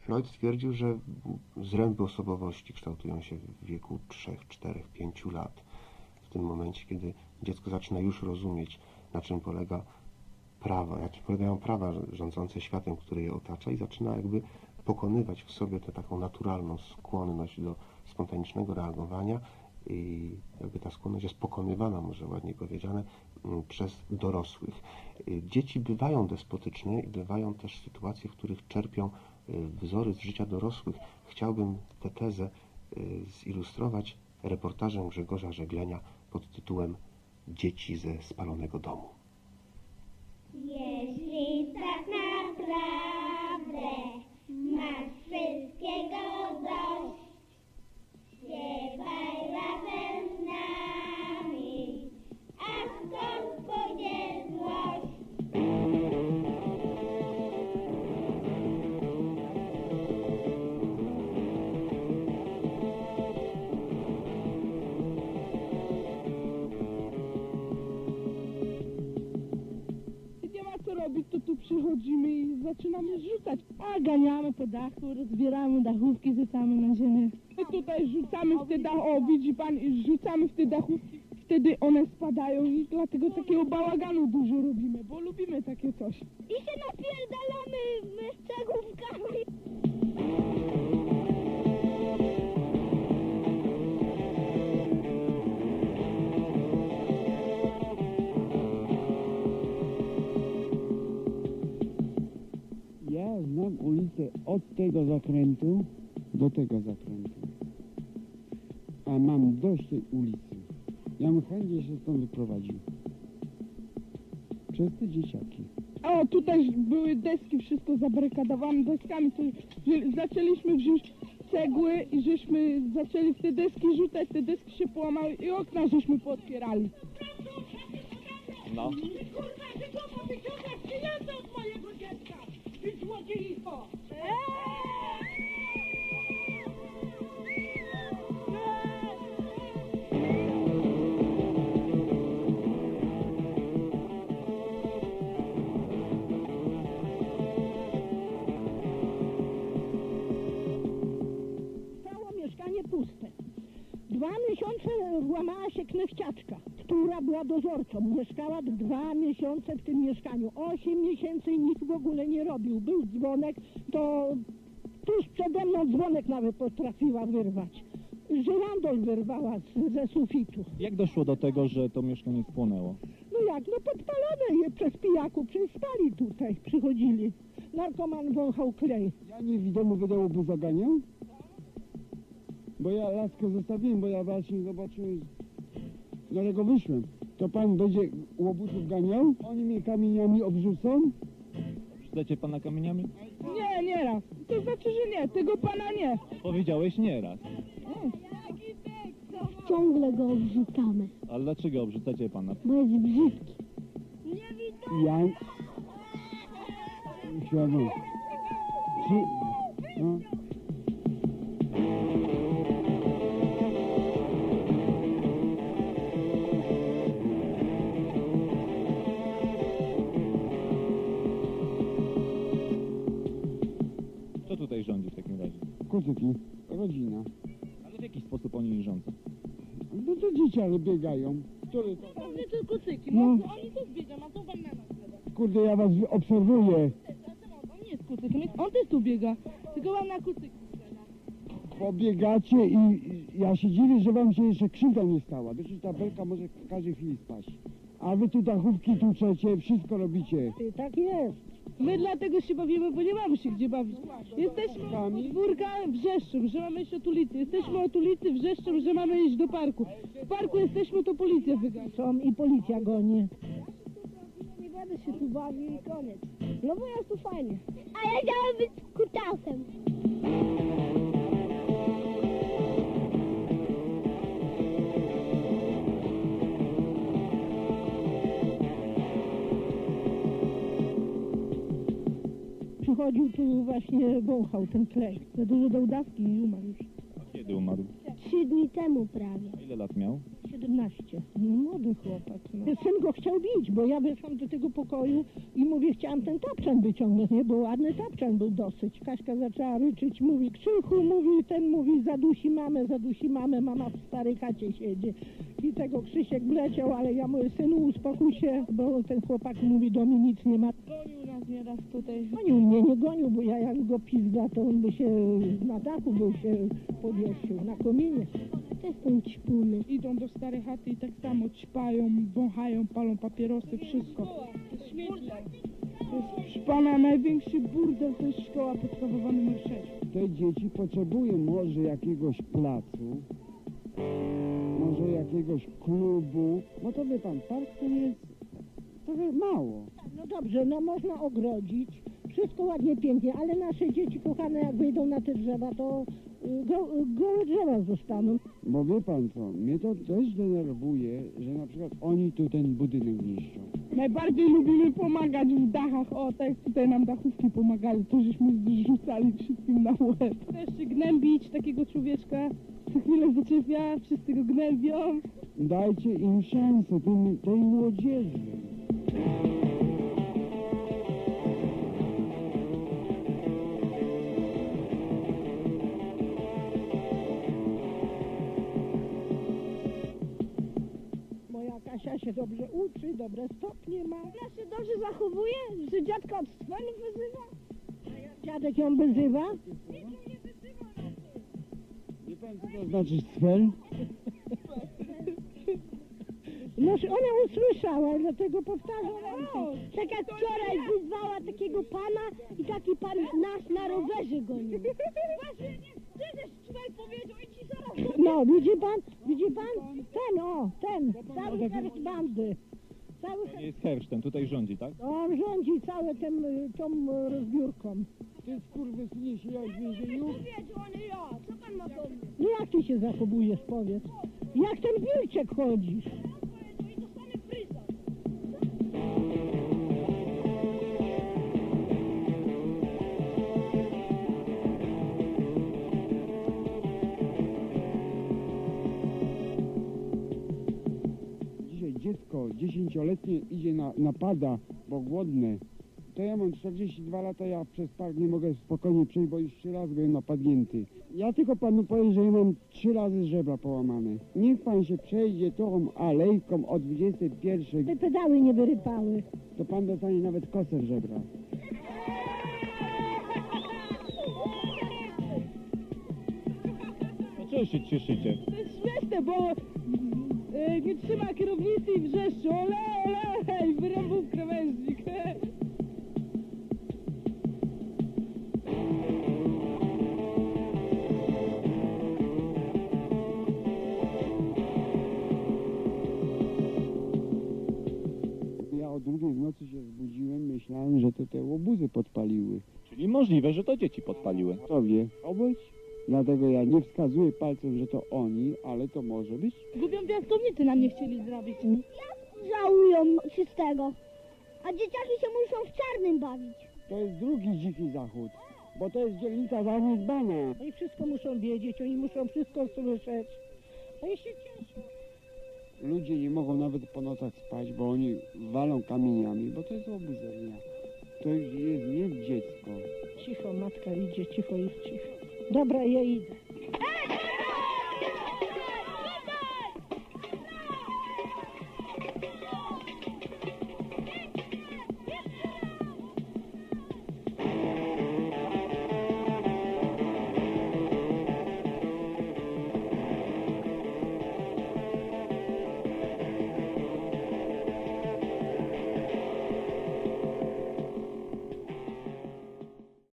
Freud stwierdził, że zręby osobowości kształtują się w wieku 3, 4, 5 lat. W tym momencie, kiedy dziecko zaczyna już rozumieć, na czym polegają prawa rządzące światem, który je otacza, i zaczyna jakby pokonywać w sobie tę taką naturalną skłonność do spontanicznego reagowania, i jakby ta skłonność jest pokonywana, może ładnie powiedziane, przez dorosłych. Dzieci bywają despotyczne i bywają też sytuacje, w których czerpią wzory z życia dorosłych. Chciałbym tę tezę zilustrować reportażem Grzegorza Żeglenia pod tytułem Dzieci ze spalonego domu. Jeśli tak naprawdę masz wszystkiego dość, śpiewaj razem z nami, a skąd pójdzie złość? To tu przychodzimy i zaczynamy rzucać. A ganiamy po dachu, rozbieramy dachówki, rzucamy na ziemię. My tutaj rzucamy w te dachówki, widzi pan, i rzucamy w te dachówki. Wtedy one spadają i dlatego takiego bałaganu dużo robimy, bo lubimy takie coś. I się napierdalamy z cegłówkami. Ja znam ulicę od tego zakrętu do tego zakrętu, a mam dość tej ulicy. Ja bym chętnie się stąd wyprowadził. Przez te dzieciaki. O, tutaj były deski, wszystko zabarykadowane deskami. To zaczęliśmy wziąć cegły i żeśmy zaczęli w te deski rzucać, te deski się połamały i okna żeśmy pootwierali. No. Kurwa, ty głowa wyciągasz pieniądze od mojego dziecka! Ty złodziejstwo! Stało mieszkanie puste. 2 miesiące włamała się knechciaczka, która była dozorcą. Mieszkała 2 miesiące w tym mieszkaniu. 8 miesięcy i nikt w ogóle nie robił. Był dzwonek, to tuż przede mną dzwonek nawet potrafiła wyrwać. Żyrandol wyrwała ze sufitu. Jak doszło do tego, że to mieszkanie spłonęło? No jak? No podpalone je przez pijaków, spali tutaj, przychodzili. Narkoman wąchał klej. Ja nie w domu wydałoby zaganiał? Bo ja laskę zostawiłem, bo ja właśnie zobaczyłem, dlatego wyszłem. To pan będzie łobuzów ganiał? Oni mnie kamieniami obrzucą? Rzucacie pana kamieniami? Nie, nie raz. To znaczy, że nie, tego pana nie. Powiedziałeś nieraz. Ciągle go obrzucamy, Ale dlaczego obrzucacie pana? bo jest brzydki. Ja... Świadom. No. Kto tutaj rządzi w takim razie? Kucyki, rodzina. Ale w jaki sposób oni rządzą? No to dzieciaki biegają. Który to... Pewnie to kucyki, No. oni też biegą, a to wam na nas gada. Kurde, ja was obserwuję. On nie jest kucykiem, on też tu biega, tylko wam na kucyki. Pobiegacie i ja się dziwię, że wam się jeszcze krzywda nie stała. Przecież ta belka może w każdej chwili spaść. A wy tu dachówki tłuczecie, wszystko robicie. Tak jest. My dlatego się bawimy, bo nie mamy się gdzie bawić. Jesteśmy od podwórka wrzeszczą, że mamy iść od ulicy. Jesteśmy od ulicy wrzeszczą, że mamy iść do parku. W parku jesteśmy, to policja wygania. Są i policja goni. Nie będę się tu bawił i koniec. No bo jest tu fajnie. A ja chciałem być kutasem. Przychodził tu właśnie, wąchał ten klej. Za dużo dał dawki i umarł już. A kiedy umarł? 3 dni temu prawie. A ile lat miał? 17. Młody chłopak. No. Syn go chciał bić, bo ja weszłam do tego pokoju i mówię, chciałam ten tapczan wyciągnąć, nie? Bo ładny tapczan był dosyć. Kaśka zaczęła ryczeć, mówi, Krzychu, mówi, ten mówi, zadusi mamę, mama w starej chacie siedzi. I tego Krzysiek wleciał, ale ja mówię, synu, uspokój się, bo ten chłopak mówi, do mnie nic nie ma. Gonił nas nieraz tutaj. Gonił mnie, nie gonił, bo ja jak go pizda, to on by się na dachu był się powiesił, na kominie. To jest ten ćpuny. Idą do starej chaty i tak samo ćpają, wąchają, palą papierosy, wszystko. To jest, proszę pana, największy burdel to jest szkoła podstawowa numer 6. Te dzieci potrzebują może jakiegoś placu, może jakiegoś klubu, bo to wie pan, park to jest trochę mało. No dobrze, no można ogrodzić, wszystko ładnie, pięknie, ale nasze dzieci kochane, jak wyjdą na te drzewa, to gołe drzewa zostaną. Bo wie pan co, mnie to też denerwuje, że na przykład oni tu ten budynek niszczą. Najbardziej lubimy pomagać w dachach. O, tak jak tutaj nam dachówki pomagali, to żeśmy zrzucali wszystkim na łeb. Też się gnębić takiego człowieczka, co chwilę zaczepia, wszyscy go gnębią. Dajcie im szansę, tej młodzieży. Moja Kasia się dobrze uczy, dobre stopnie ma. Ona się dobrze zachowuje, że dziadka od swelu wyzywa. Dziadek ją wyzywa. Wie pan co to znaczy sfer? No ona usłyszała, dlatego powtarzam. Tak jak wczoraj wyzwała takiego pana i taki pan nas na rowerze gonił. Właśnie, nie, ty też wczoraj powiedział i ci zaraz... No, widzi pan? Ten, cały herszt bandy. Cały To nie jest hersztem, tutaj rządzi, tak? on rządzi całą tą rozbiórką. Ty skurwysynie siedziałeś w więzieniu? Powiedział, a nie ja. Co pan ma do mnie? No jak ty się zachowujesz, powiedz? Jak ten wilczek chodzisz? Powiedział i dostanę fryza. Dzisiaj dziecko 10-letnie idzie napada, bo głodne. To ja mam 42 lata, ja przez park nie mogę spokojnie przejść, bo już 3 razy byłem napadnięty. Ja tylko panu powiem, że ja mam 3 razy żebra połamane. Niech pan się przejdzie tą alejką o 21, Te pedały nie wyrypały. to pan dostanie nawet koser żebra. No co się cieszycie? To jest śmieszne, bo nie trzyma kierownicy i wrzeszczy. Ole, ole, i wyrąbał krawężnik. Ja o 2 w nocy się zbudziłem, myślałem, że to te łobuzy podpaliły. Czyli możliwe, że to dzieci podpaliły. Kto wie, obyć? Dlatego ja nie wskazuję palcem, że to oni, ale to może być. Gubią piaskownicy nam nie chcieli zrobić. Żałują czystego. A dzieciaki się muszą w czarnym bawić. To jest drugi dziki zachód, bo to jest dzielnica zaniedbana. Oni wszystko muszą wiedzieć, oni muszą wszystko słyszeć. Oni się cieszą. Ludzie nie mogą nawet po nocach spać, bo oni walą kamieniami, bo to jest oburzenia. To już jest nie dziecko. Cicho, matka idzie, cicho jest cicho. Dobra, ja idę.